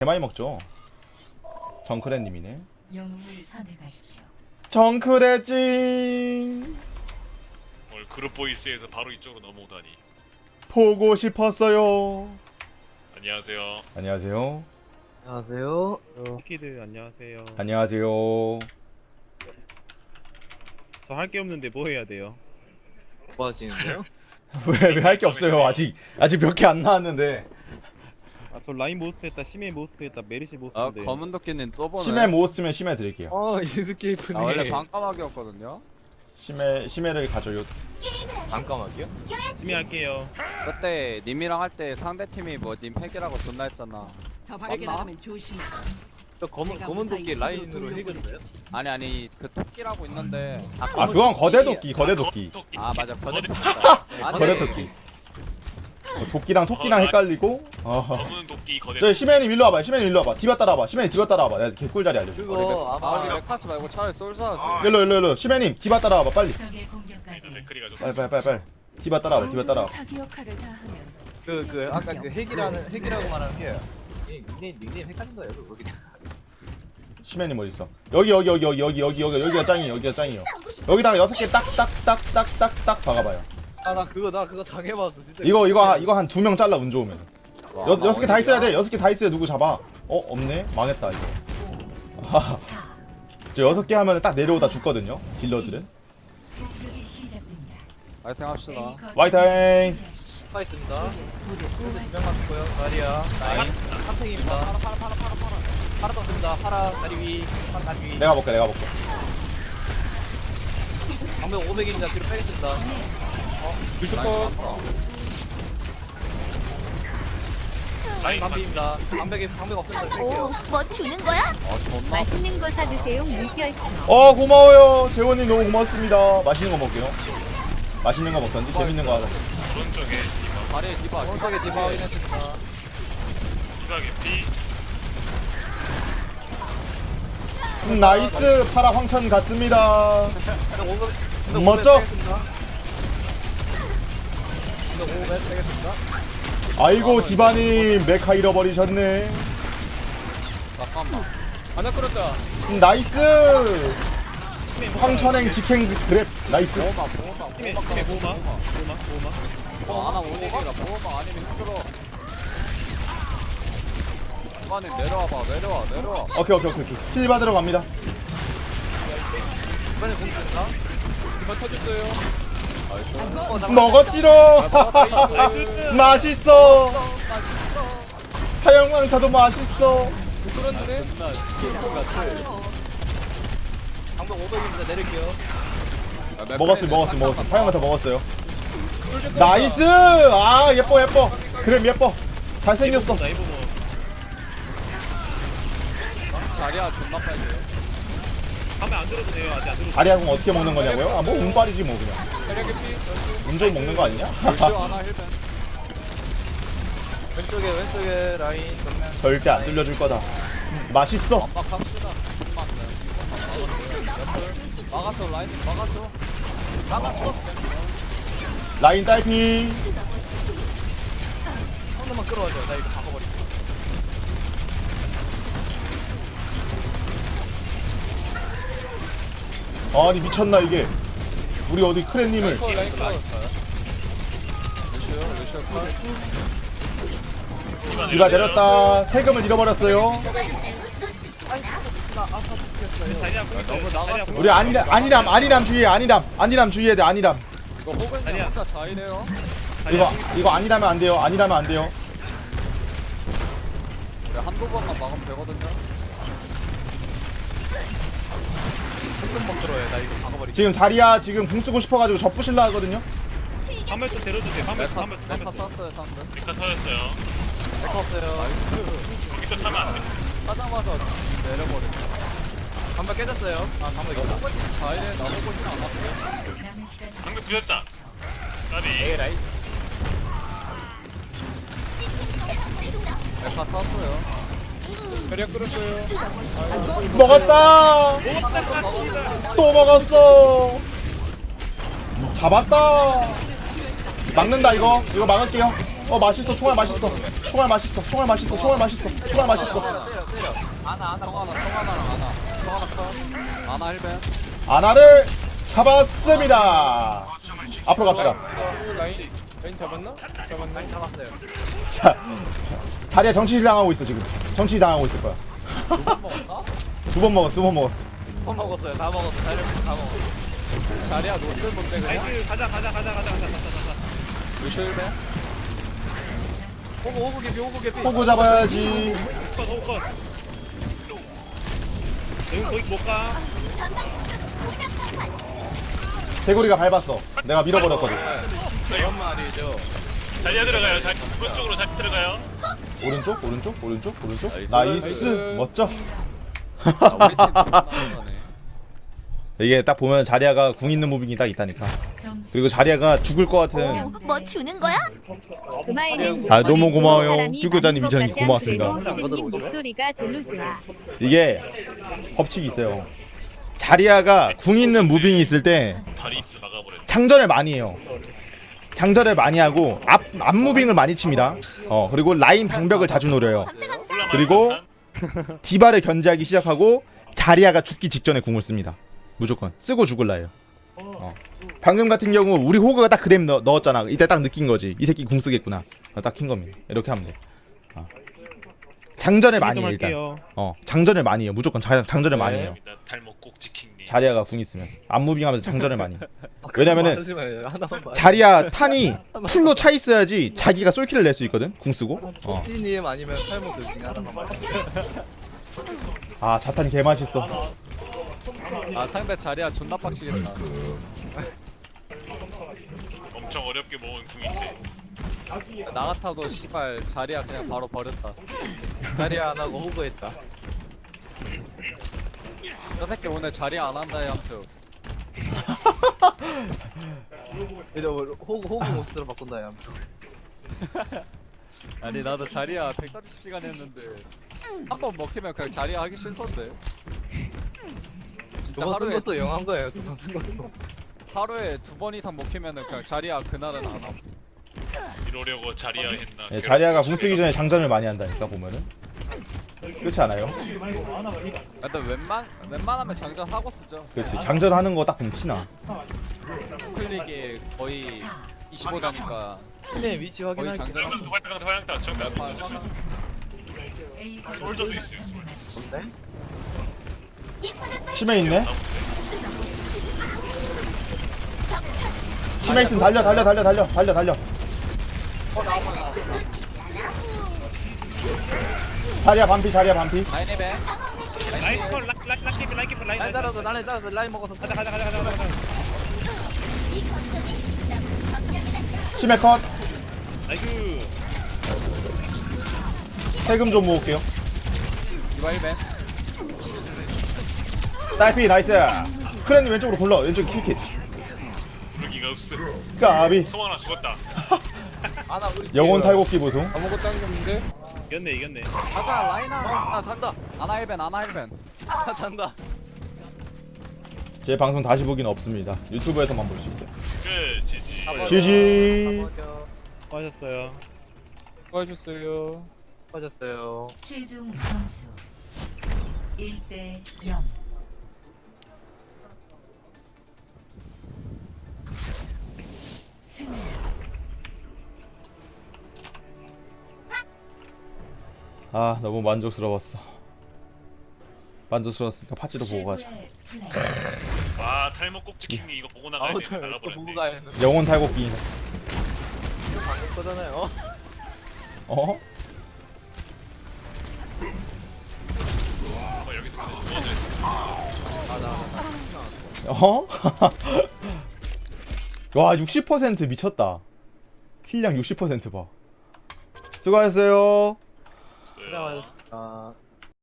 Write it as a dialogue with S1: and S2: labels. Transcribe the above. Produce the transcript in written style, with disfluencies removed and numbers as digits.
S1: 많이 먹죠. 정크레님이네.
S2: 영웅을 선택하십시오.
S1: 정크레찡
S3: 오늘 그룹 보이스에서 바로 이쪽으로 넘어오다니.
S1: 보고 싶었어요.
S3: 안녕하세요.
S1: 안녕하세요.
S4: 안녕하세요.
S5: 키들 안녕하세요.
S1: 안녕하세요.
S5: 저 할 게 없는데 뭐 해야 돼요?
S4: 뭐 하시는데요?
S1: 왜 할 게 없어요. 아직 몇 개 안 나왔는데.
S5: 저 라인 모스트 했다, 시메 모스트 했다, 메리시
S6: 아
S5: 모스트인데.
S6: 검은 도끼는 또 보네.
S1: 심해 못 쓰면 심해 드릴게요.
S4: 이스케이프님.
S6: 아 원래 반까마귀였거든요.
S1: 심해를 가져요.
S4: 잠깐만요.
S5: 시메 할게요.
S6: 그때 님이랑 할 때 상대 팀이 뭐 님 핵이라고 존나 했잖아.
S2: 저 밖에
S6: 맞나?
S2: 나가면 조심해.
S4: 저 검은 도끼 라인으로 해줬어요?
S6: 아니 그 토끼라고 있는데.
S1: 아 그건 거대 도끼.
S6: 아 맞아 거대 토끼.
S1: 거대 토끼. 도끼랑 토끼랑 헷갈리고.
S3: 검은 도끼 거대.
S1: 저 시메님 일로 와봐. 시메님 일로 와봐. 디바 따라와봐. 시메님 디바 따라와봐. 내가 개꿀 자리 알려줘.
S4: 그거
S6: 아
S4: 아마
S6: 우리 메카스 말고 차라리 솔사 하지.
S1: 일로. 시메님 디바 따라와봐 빨리.
S2: 적의 공격까지.
S3: 맥크리가 좀.
S1: 빨리. 디바 따라와봐.
S2: 자기 역할을 다하면
S4: 그 아까 그 핵이라고 말하는 게 닉네임 헷갈린 거예요. 그거 그냥.
S1: 시메님 어디 있어? 여기가 짱이에요. 여기다가 6개 딱딱딱딱딱딱 박아봐요.
S4: 나 그거 당해봤어 진짜.
S1: 이거 한 2명 잘라 운 좋으면. 6개 다 있어야 돼. 6개 다 있어야 누구 잡아. 없네. 망했다 이거. 저 6개 하면 딱 내려오다 죽거든요. 딜러들은.
S2: 공격이 시작됩니다.
S6: 파이팅 합시다.
S1: 화이팅.
S4: 파 있습니다. 두명 맞고요. 다리야. 라인. 한탱입니다. 파라 떴습니다. 파라 다리 위. 파라 다리 위.
S1: 내가 볼게.
S4: 방금 500입니다. 뒤로 빼겠습니다.
S6: 뮤슈퍼.
S3: 라인
S4: 방비입니다. 방벽 없습니다. 뺄게요.
S7: 뭐 주는 거야?
S6: 아 존나.
S7: 맛있는 거 사드세요. 물결.
S1: 고마워요. 재원님 너무 고맙습니다. 맛있는 거 먹게요. 맛있는 거 먹던지 재밌는 거 하자.
S3: 오른쪽에
S6: 다리에 디바.
S4: 오른쪽에 디바 확인했습니다.
S3: 디바게 피.
S1: 나이스. 파라 황천 갔습니다. 멋져. 아이고 디바님 메카 잃어버리셨네.
S6: 잠깐만. 하나 끌었다.
S1: 나이스. 황천행 직행 그랩 나이스.
S6: 보호막.
S5: 시메 보호막.
S6: 하나 오ник이라 보호막 아니면 힘들어. 이만님 내려와봐. 내려와.
S1: 오케이. 힐 받으러 갑니다.
S4: 이번에 공격했나?
S6: 이만 터졌어요.
S1: 먹었지롱. 맛있어. 하영왕차도 맛있어.
S6: 끌었는데?
S4: 방벽 500입니다. 내릴게요.
S1: 먹었어요. 하영왕차 먹었어요. 나이스. 아 예뻐. 그래 예뻐. 잘생겼어.
S5: 나 이거 뭐
S6: 자리야 존나 빨리.
S5: 밤에 안 들어도 돼요. 아직 안 들어도.
S1: 아리아공 어떻게 먹는 거냐고요? 뭐 운빨이지 뭐 그냥.
S6: 체력의 피.
S1: 운 좋이 먹는 거 아니냐?
S6: 루시오 하나 힐벤.
S4: 왼쪽에 라인 정면.
S1: 절대 안 뚫려줄 거다. 맛있어.
S6: 완박합시다. 막았어 라인 막았어.
S1: 라인 딸피.
S4: 한 번만 끌어와줘. 나 이거 바꿔버릴게.
S1: 아니 미쳤나 이게. 우리 어디 크랜님을.
S6: 라인 컷. 루시오 컷.
S1: 디바 내렸다. 세금을 잃어버렸어요.
S5: 자리야
S6: 너무 나갔어.
S1: 우리 안이람 주의해. 안이람 주의해야 돼. 안이람.
S6: 이거 호근이
S5: 자리야.
S6: 혼자 자이네요.
S1: 이거 안이라면 안 돼요.
S6: 우리 한두 번만 막으면 되거든요.
S4: 한번 끌어요. 나 이거 바꿔버릴게.
S1: 지금 자리야 지금 궁 쓰고 싶어가지고 저 부실라 하거든요.
S5: 밤에 좀 데려주세요. 밤에
S6: 메카
S5: 좀.
S6: 탔어요 상대.
S3: 메카 터졌어요.
S4: 메카 없어요.
S3: 여기서 차면 안 돼.
S6: 타자마자 내려버려.
S4: 방벽 깨졌어요. 방벽 있다.
S6: 호근이 자이네 나 호근이 안 왔어요.
S2: 남은 시간
S3: 방금 부셨다. 까비.
S4: 라인.
S6: 메카 탔어요. 배력 끌었어요.
S1: 먹었다. 또 먹었어. 잡았다. 막는다 이거 막을게요. 맛있어. 총알 맛있어. 총알 맛있어. 총알 맛있어. 총알 맛있어. 총알 맛있어.
S4: 때려. 아나
S6: 성하나 아나 힐벤.
S1: 아나를 잡았습니다. 앞으로 갑시다.
S4: 라인 잡았나? 잡았어요.
S1: 자, 자리야 정치 당하고 있어 지금. 정치 당하고 있을 거야. 두 번 먹었어.
S4: 다 먹었어요. 다 먹었어.
S6: 자리야 노슬 뭔데 그냥?
S5: 나이스 가자.
S6: 루시 힐벤.
S4: 호구 개피.
S1: 호구 잡아야지.
S5: 컷. 여기 거기 못 가.
S1: 개구리가 밟았어. 내가 밀어버렸거든.
S4: 그런 말이죠.
S3: 자리야 들어가요. 오른쪽으로 잘 들어가요.
S1: 오른쪽. 나이스. 멋져.
S6: 우리 팀 존나 잘하네.
S1: 이게 딱 보면 자리아가 궁 있는 무빙이 딱 있다니까.
S2: 점수
S1: 그리고 자리아가 죽을 것 같은.
S7: 뭐 주는 거야? 금화에는
S1: 아, 너무 고마워요.
S7: 사람이
S1: 뷰교자님
S7: 많은 것
S1: 이장님
S7: 같아.
S1: 고맙습니다.
S7: 그래도 선생님 목소리가 제일 좋아.
S1: 이게 법칙이 있어요. 자리아가 궁 있는 무빙이 있을 때
S3: 다리 입수 막아버렸네.
S1: 장전을 많이 해요. 장전을 많이 하고 앞 무빙을 많이 칩니다. 그리고 라인 방벽을 자주 노려요. 그리고 디바를 견제하기 시작하고 자리아가 죽기 직전에 궁을 씁니다. 무조건 쓰고 죽을라 해요. 방금 같은 경우 우리 호그가 딱 그램 넣었잖아. 이때 딱 느낀 거지. 이 새끼 궁 쓰겠구나. 딱 킨 겁니다. 이렇게 하면 돼. 장전을 많이 해 일단. 장전을 많이 해요. 무조건 장전을 많이 해요.
S3: 탈모 꼭 지킹니.
S1: 자리아가 궁 있으면 앞무빙하면서 장전을 많이 해. 왜냐면은
S4: 하나만 봐.
S1: 자리아 탄이 풀로 차 있어야지 자기가 솔킬을 낼 수 있거든. 궁 쓰고.
S4: 찌님 아니면 탈모 둘 중에 하나만 봐.
S1: 아 자탄 개 맛있어.
S6: 아 상대 자리야 존나 빡치겠다.
S3: 엄청 어렵게 모은 궁인데.
S6: 나 같아도 씨발 자리야 그냥 바로 버렸다.
S4: 자리야 안 하고 호구했다.
S6: 저 새끼 오늘 자리야 안 한다 양쪽.
S4: 이제 호구 몫으로 바꾼다 야.
S6: 아니 나도 자리야 130시간 했는데 한 번 먹히면 그냥 자리야 하기 싫던데. 진짜
S4: 두번 쓴
S6: 하루에
S4: 것도 영한 거예요. 두 번 쓴 것도.
S6: 하루에 2번 이상 먹히면은 그냥 자리야 그날은 안 함.
S3: 이러려고 자리야 했나.
S1: 예, 자리아가 궁 쓰기 전에 장전을 많이 한다니까 보면은. 그렇지 않아요?
S6: 근데 웬만하면 장전 하고 쓰죠.
S1: 그렇지. 장전하는 거 딱 보면 티나.
S6: 클릭이 거의 25다니까
S4: 찌님 위치
S6: 거의
S4: 확인할게.
S6: 장전.
S3: 화양타 정답.
S2: A
S3: 솔저도 있어요.
S2: 점령하십시오.
S1: 심해 있네. 심해 있으면 달려. 자리야 반피.
S6: 라인에벤
S5: 라인 컷 라인
S4: 라인 잘라서 라인 먹어서.
S5: 가자.
S1: 심해 컷.
S5: 나이스.
S1: 세금 좀 모을게요.
S6: 디바일벤.
S1: 딸피 나이스. 크랜님 왼쪽으로 굴러. 왼쪽 킬킷.
S3: 부르기가 없어.
S1: 까비.
S3: 성환아 죽었다.
S4: 아나 우리
S1: 영혼 탈곡기 보송.
S4: 아무것도 안 했는데.
S5: 이겼네.
S6: 가자 라인아.
S4: 아 잔다.
S6: 아나 힐벤.
S4: 아 잔다.
S1: 제 방송 다시 보기는 없습니다. 유튜브에서만 볼 수 있어요.
S3: 끝. 지지.
S1: GG.
S5: 수고하셨어요.
S4: 빠졌어요.
S2: 최종 점수 1대 0. 승리.
S1: 아 너무 만족스러웠어. 만족스러웠으니까 파츠도 보고 가자.
S2: 최고의 플레이.
S3: 아 탈모 꼭 지킹니 이거 보고 나가야
S4: 아우
S3: 돼.
S4: 저또 보고 가야 했는데.
S1: 영혼 탈곡기.
S4: 방금 거잖아요.
S1: 어?
S3: 여기서 근데 누워져 있어.
S1: 어? 와 60% 미쳤다. 힐량 60% 봐. 수고하셨어요.
S3: 네.
S4: 아